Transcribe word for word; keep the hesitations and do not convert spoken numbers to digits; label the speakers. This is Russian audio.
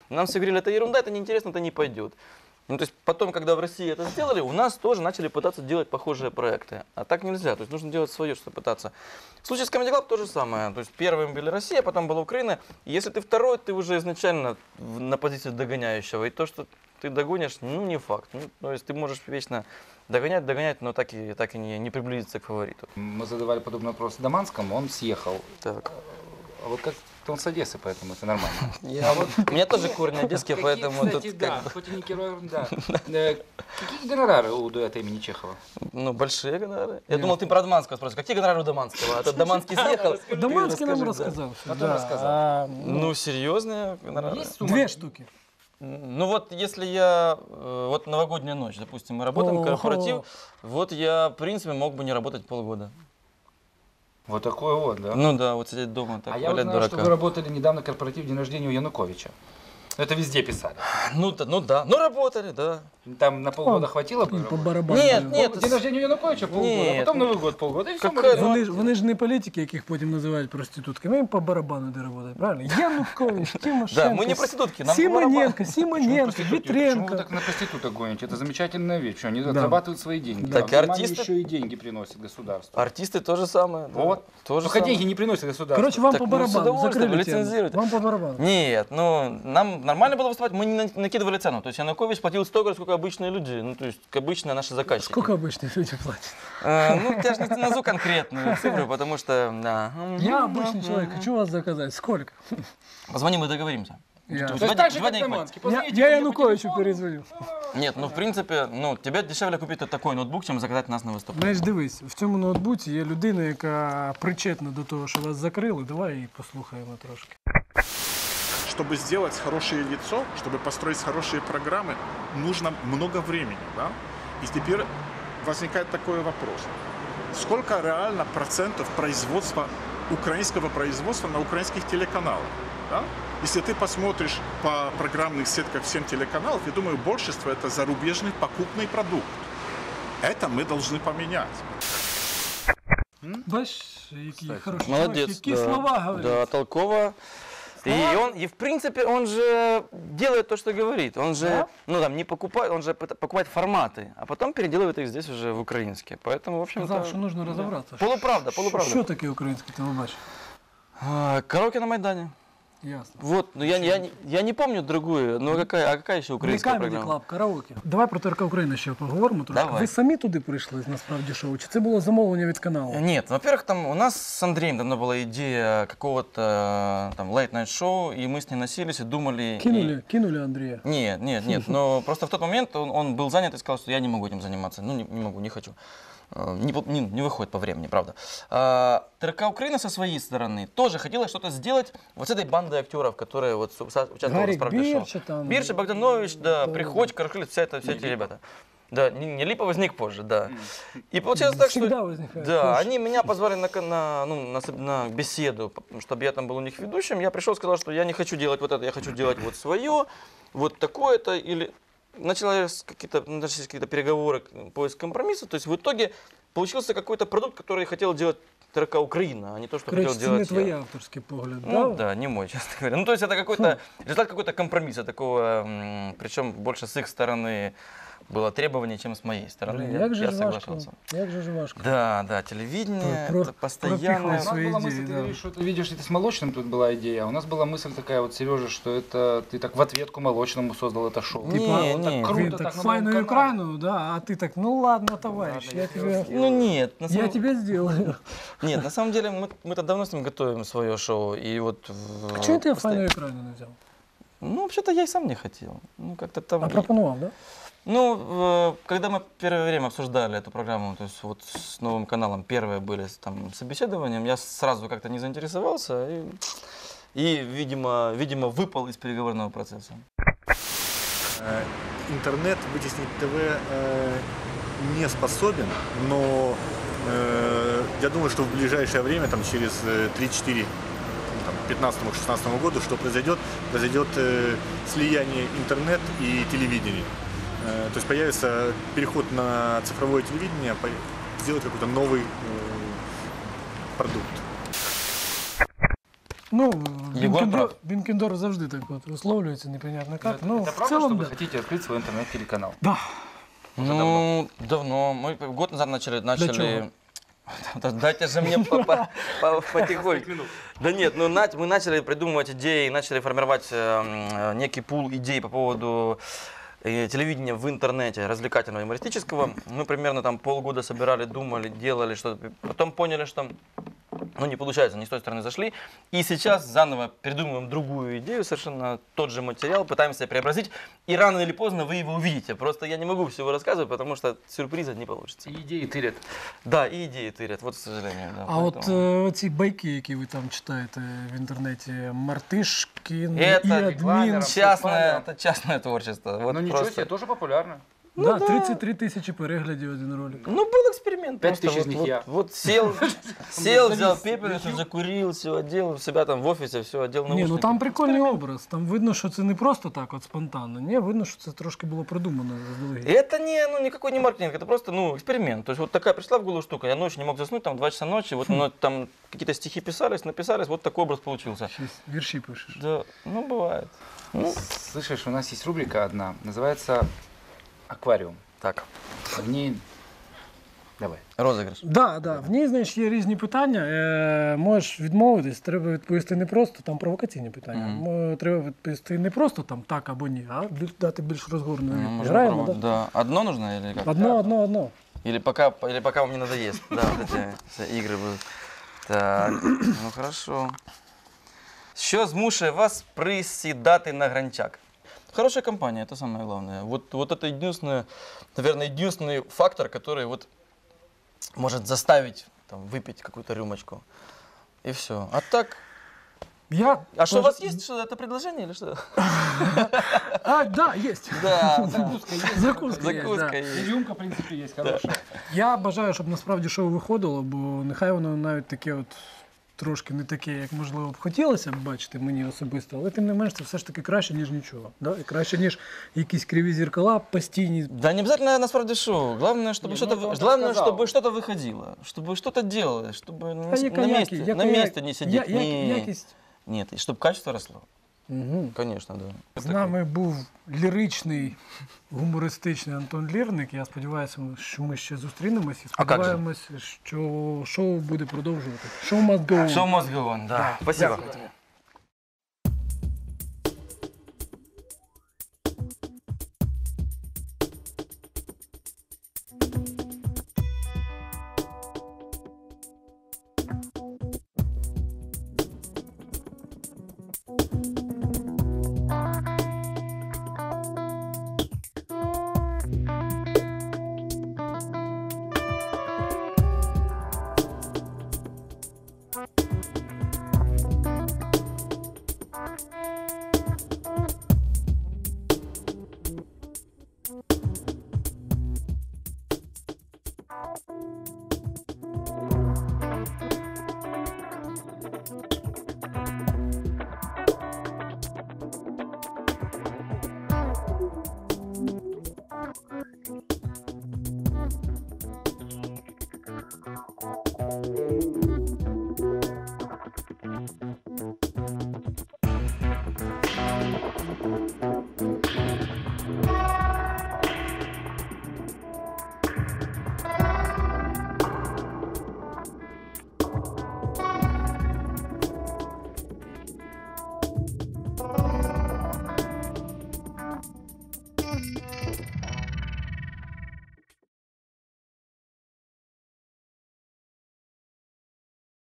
Speaker 1: Нам все говорили, это ерунда, это неинтересно, это не пойдет. Ну, то есть потом, когда в России это сделали, у нас тоже начали пытаться делать похожие проекты. А так нельзя, то есть нужно делать свое, что пытаться. В случае с Comedy Club то же самое. То есть первым были Россия, потом была Украина. И если ты второй, ты уже изначально на позиции догоняющего. И то, что ты догонишь, ну, не факт. Ну, то есть ты можешь вечно догонять, догонять, но так и, так и не, не приблизиться к фавориту.
Speaker 2: Мы задавали подобный вопрос Доманскому, он съехал.
Speaker 1: Так.
Speaker 2: А вот как он с Одессы, поэтому это нормально.
Speaker 1: Я, вот, у меня тоже корни одесские, поэтому
Speaker 2: кстати,
Speaker 1: тут
Speaker 2: да,
Speaker 1: как...
Speaker 2: хоть и не герой, да. Какие гонорары у дуэта имени Чехова?
Speaker 1: Ну, большие гонорары. Я думал, ты про Доманского спросишь. Какие гонорары у Доманского? А то Доманский съехал.
Speaker 3: Доманский нам рассказал.
Speaker 2: Потом рассказал.
Speaker 1: Ну, серьезные гонорары.
Speaker 3: Две штуки.
Speaker 1: Ну вот, если я, вот новогодняя ночь, допустим, мы работаем, корпоратив, вот я, в принципе, мог бы не работать полгода.
Speaker 2: Вот такой вот, да?
Speaker 1: Ну да, вот сидеть дома, так,
Speaker 2: а я
Speaker 1: валять
Speaker 2: узнал,
Speaker 1: дурака.
Speaker 2: что вы работали недавно корпоратив день рождения у Януковича. Это везде писали.
Speaker 1: Ну да, ну да, ну работали, да.
Speaker 2: Там на полгода хватило бы?
Speaker 3: По барабану.
Speaker 1: Нет, нет.
Speaker 2: День рождения Януковича полгода, а потом Новий год полгода, і все.
Speaker 3: Вони ж, вони ж не політики, яких потім називають проститутками, їм по барабану де роботають, правильно? Янукович, Тимошенко,
Speaker 1: Да, мы не проститутки, нам по
Speaker 3: Симоненко, Симоненко,
Speaker 2: Почему вы
Speaker 3: Витренко.
Speaker 2: так на проституток гоните? Это замечательная вещь. Что они
Speaker 3: Да.
Speaker 2: зарабатывают свои деньги.
Speaker 1: Так,
Speaker 2: А
Speaker 1: и
Speaker 2: внимание,
Speaker 1: артисты-
Speaker 2: еще и деньги приносят государству.
Speaker 1: Артисты то же самое. Да.
Speaker 2: Вот.
Speaker 1: То же
Speaker 2: Только
Speaker 1: самое.
Speaker 2: деньги не приносят государству.
Speaker 3: Короче, вам
Speaker 1: Так,
Speaker 3: по
Speaker 1: ну, с
Speaker 3: барабану,
Speaker 1: удовольствием,
Speaker 3: закрыли тему.
Speaker 1: лицензируйте.
Speaker 3: Вам по барабану.
Speaker 1: Нет, ну нам нормально было выступать, мы не на- накидывали цену. То есть Янукович платил столько, сколько обычные люди, ну то есть как обычные наши заказчики.
Speaker 3: Сколько обычные люди платят?
Speaker 1: Э, ну я же не назову конкретную цифру, потому что... Да.
Speaker 3: Я обычный человек, хочу вас заказать. Сколько?
Speaker 1: Позвони, мы договоримся.
Speaker 3: Я,
Speaker 2: То есть
Speaker 1: Два
Speaker 2: так
Speaker 1: дня-
Speaker 2: же,
Speaker 1: два
Speaker 2: как
Speaker 1: дня не
Speaker 2: Доманский.
Speaker 3: я,
Speaker 2: Позвоните
Speaker 3: я
Speaker 2: мне по
Speaker 3: Януковичу
Speaker 2: телефону.
Speaker 3: перезвоню.
Speaker 1: Нет, ну в принципе, ну тебе дешевле купити такой ноутбук, чим заказати нас на виступ.
Speaker 3: Знаєш, дивись, в цьому ноутбуці є людина, яка причетна до того, що вас закрили. Давай її послухаємо трошки.
Speaker 4: Чтобы сделать хорошее лицо, чтобы построить хорошие программы, нужно много времени. Да? И теперь возникает такой вопрос. Сколько реально процентов производства, украинского производства на украинских телеканалах? Да? Если ты посмотришь по программных сетках всем телеканалов, я думаю, большинство это зарубежный покупный продукт. Это мы должны поменять.
Speaker 3: Бачиш, який хороший
Speaker 1: Молодец.
Speaker 3: чоловік, які
Speaker 1: да.
Speaker 3: слова говорять.
Speaker 1: Да, толково. И он, и в принципе, он же делает то, что говорит. Он же,
Speaker 3: Да?
Speaker 1: ну там, не покупает, он же пыта- покупает форматы, а потом переделывает их здесь уже в украинские. Поэтому, в общем-то...
Speaker 3: Сказав, що нужно розібратися.
Speaker 1: Полуправда,
Speaker 3: Що,
Speaker 1: полуправда.
Speaker 3: що таке українське телебачення?
Speaker 1: А, Караоке на Майдане.
Speaker 3: Ясно.
Speaker 1: Вот, ну я, я, не- я не помню другую, но какая, а какая еще украинская
Speaker 3: Comedy
Speaker 1: программа?
Speaker 3: Club, караоке. Давай про ТРК Україна ще поговоримо трошки.
Speaker 1: Давай.
Speaker 3: Ви самі туди прийшли, насправді, шоу? Чи це було замовлення від каналу?
Speaker 1: Нет, во-первых, там у нас с Андреем давно была идея какого-то там late-night шоу, и мы с ней носились и думали...
Speaker 3: Кинули,
Speaker 1: и-
Speaker 3: кинули Андрія.
Speaker 1: Нет, нет, нет, но просто в тот момент он, он был занят и сказал, что я не могу этим заниматься. Ну, не, не могу, не хочу. Э, Не, по- не, не выходит по времени, правда. А, ТРК Украина со своей стороны тоже хотела что-то сделать вот с этой бандой актеров, которые вот с- со- участвовали
Speaker 3: Гарик
Speaker 1: в «Правде шоу».
Speaker 3: Бирча там.
Speaker 1: Бирча, Богданович, да,
Speaker 3: Да.
Speaker 1: Приходько, Крахлит, вся это, все эти ребята. Да, не, не Липа возник позже, да. И получилось так,
Speaker 3: Всегда
Speaker 1: что...
Speaker 3: возникает.
Speaker 1: Да,
Speaker 3: позже.
Speaker 1: они меня позвали на, ка- на, ну, на, с- на беседу, чтобы я там был у них ведущим. Я пришел, сказал, что я не хочу делать вот это, я хочу делать вот свое, вот такое-то. Или начались какие-то, начались какие-то переговоры, поиск компромисса. То есть в итоге получился какой-то продукт, который хотел делать ТРК Украина, а не то, что
Speaker 3: Коротше,
Speaker 1: хотел
Speaker 3: це не
Speaker 1: делать
Speaker 3: твій
Speaker 1: я.
Speaker 3: авторський погляд,
Speaker 1: Ну
Speaker 3: да?
Speaker 1: да, не мой, честно говоря. Ну то есть это какой-то результат какой-то компромисса такого, м, причем больше с их стороны было требование, чем с моей стороны.
Speaker 3: Блін,
Speaker 1: Я,
Speaker 3: як же
Speaker 1: я
Speaker 3: ж важко,
Speaker 1: соглашался.
Speaker 3: як же ж важко.
Speaker 1: Да, да, телевидение,
Speaker 3: Про-
Speaker 1: это постоянно.
Speaker 3: пропихивать
Speaker 2: У нас
Speaker 3: свои
Speaker 2: была
Speaker 3: идеи,
Speaker 2: мысль, ты
Speaker 3: да.
Speaker 2: говоришь, что ты видишь, это с молочным тут была идея. А у нас была мысль такая вот, Сережа, что это ты так в ответку молочному создал это шоу.
Speaker 1: Не,
Speaker 2: Типа, вот
Speaker 1: не,
Speaker 2: так
Speaker 3: Він
Speaker 2: круто,
Speaker 3: так
Speaker 2: на
Speaker 3: файну
Speaker 2: новом канале.
Speaker 3: Україну, да, а ти так, ну ладно, товарищ,
Speaker 2: Ладно,
Speaker 3: я
Speaker 2: я
Speaker 3: тебе,
Speaker 1: Ну нет, на
Speaker 3: я
Speaker 1: самом,
Speaker 3: тебе сделаю.
Speaker 1: нет, на самом деле мы, мы-то давно с ним готовим свое шоу. И вот в-
Speaker 3: А чого ти
Speaker 1: постоянно-
Speaker 3: файну Україну не взяв?
Speaker 1: Ну, вообще-то я и сам не хотел. Ну, как-то там...
Speaker 3: А пропонував, да?
Speaker 1: Ну, э, когда мы первое время обсуждали эту программу, то есть вот с новым каналом, первые были с там собеседованием, я сразу как-то не заинтересовался и, и видимо, видимо, выпал из переговорного процесса.
Speaker 5: Э, Интернет вытеснить ТВ э, не способен, но э, я думаю, что в ближайшее время, там, через э, три-четыре, ну, там, пятнадцатому-шестнадцатому году, что произойдет? Произойдет э, слияние интернет и телевидения. Э, то есть появится переход на цифровое телевидение, по- сделать какой-то новый э, продукт.
Speaker 3: Ну,
Speaker 1: Єгор
Speaker 3: Бінкендор,
Speaker 1: прав.
Speaker 3: Бінкендор завжди так от висловлюється, непонятно як.
Speaker 2: Это,
Speaker 3: Ну,
Speaker 2: это
Speaker 3: в
Speaker 2: правда,
Speaker 3: цілому,
Speaker 2: что вы
Speaker 3: да.
Speaker 2: хотите открыть свой интернет-телеканал?
Speaker 3: Да.
Speaker 1: Ну, давно. Мы год назад начали... начали...
Speaker 3: чего?
Speaker 1: Да дайте же мне по- по- по- потихоньку. Да нет, ну на- мы начали придумывать идеи, начали формировать э, м, некий пул идей по поводу э, телевидения в интернете, развлекательного, юмористического. Мы примерно там полгода собирали, думали, делали что-то. Потом поняли, что ну, не получается, не с той стороны зашли. И сейчас заново придумываем другую идею, совершенно тот же материал, пытаемся преобразить. И рано или поздно вы его увидите. Просто я не могу всего рассказывать, потому что сюрприза не получится.
Speaker 2: И идеи тырят.
Speaker 1: Да, и идеи тырят, вот, к сожалению. Да,
Speaker 3: А от
Speaker 1: поэтому-
Speaker 3: е, ці байки, які ви там читаєте в інтернеті, Мартишкін і
Speaker 1: Это
Speaker 3: адмін.
Speaker 2: рекламеров.
Speaker 1: частное, это частное творчество. Вот
Speaker 2: Ну ничего
Speaker 1: просто.
Speaker 2: себе, тоже популярно.
Speaker 3: Да, тридцять три тисячі переглядів один ролик.
Speaker 1: Ну, был эксперимент.
Speaker 2: Пять
Speaker 1: просто
Speaker 2: тысяч из
Speaker 1: вот,
Speaker 2: них
Speaker 1: вот,
Speaker 2: я.
Speaker 1: вот сел, сел, взял пепельницу, закурил, все одел, у себя там в офисе, все одел
Speaker 3: Ні,
Speaker 1: наушники.
Speaker 3: ну там прикольний образ. Там видно, що це не просто так от спонтанно. Ні, видно, що це трошки було продумано заздалегідь.
Speaker 1: Это не, ну, никакой не маркетинг, это просто, ну, эксперимент. То есть вот такая пришла в голову штука, я ночью не мог заснуть, там, два часа ночи, вот ну, там какие-то стихи писались, написались, вот такой образ получился.
Speaker 3: Щось вірші пишеш.
Speaker 1: Да, ну, бывает. Ну,
Speaker 2: Слышишь, у нас есть рубрика одна, называется «Аквариум».
Speaker 1: так,
Speaker 2: В ней... Давай.
Speaker 1: розыгрыш.
Speaker 3: Да, да. В ній, знаєш, є різні питання. Е, можеш відмовитись, треба відповісти не просто, там провокаційні питання.
Speaker 1: Мгм.
Speaker 3: Мо- Треба відповісти не просто там так або ні, а біль- дати більш розгорну
Speaker 1: Ну,
Speaker 3: відповідь.
Speaker 1: можно
Speaker 3: Граємо,
Speaker 1: попробовать.
Speaker 3: да?
Speaker 1: Да. Одно нужно или как?
Speaker 3: Одно, одно, одно.
Speaker 1: Или пока, или пока вам не надоест. Да, вот эти все игры будут. Так, ну хорошо. Що змушує вас присідати на гранчак? Хорошая компания, это самое главное. Вот, вот это единственное, наверное, единственный фактор, который вот может заставить там, выпить какую-то рюмочку. И все. А так...
Speaker 3: Я
Speaker 1: А что, у
Speaker 3: пож-
Speaker 1: вас есть что, это предложение или что?
Speaker 3: А, да, есть.
Speaker 1: Да,
Speaker 3: Закуска есть. Закуска, є,
Speaker 1: закуска
Speaker 3: да.
Speaker 1: есть.
Speaker 2: Рюмка, в принципе, есть хорошая.
Speaker 3: Я бажаю, щоб насправді шоу виходило, бо нехай воно навіть таке от трошки не таке, як можливо б хотілося б бачити мені особисто, але тим не менш це все ж таки краще, ніж нічого. Да? І краще, ніж якісь криві зеркала постійні.
Speaker 1: Да не обязательно насправді шоу. Главное, чтобы
Speaker 2: Не,
Speaker 1: что-то,
Speaker 2: ну, это он так
Speaker 1: главное,
Speaker 2: сказал.
Speaker 1: чтобы что-то выходило, чтобы что-то делалось, чтобы на,
Speaker 3: Та яка
Speaker 1: на
Speaker 3: якість,
Speaker 1: месте,
Speaker 3: яка
Speaker 1: на
Speaker 3: я-
Speaker 1: месте не сидеть.
Speaker 3: я-
Speaker 1: Не-
Speaker 3: я- якість.
Speaker 1: Нет, и чтобы качество росло.
Speaker 3: Угу.
Speaker 1: Конечно, да.
Speaker 3: З нами був ліричний, гумористичний Антон Лірник. Я сподіваюся, що ми ще зустрінемося. І
Speaker 1: А як же?
Speaker 3: сподіваємося, що шоу буде продовжувати. Шоу must go on.
Speaker 1: Show must go on, да. Спасибо.
Speaker 3: Дякую тобі.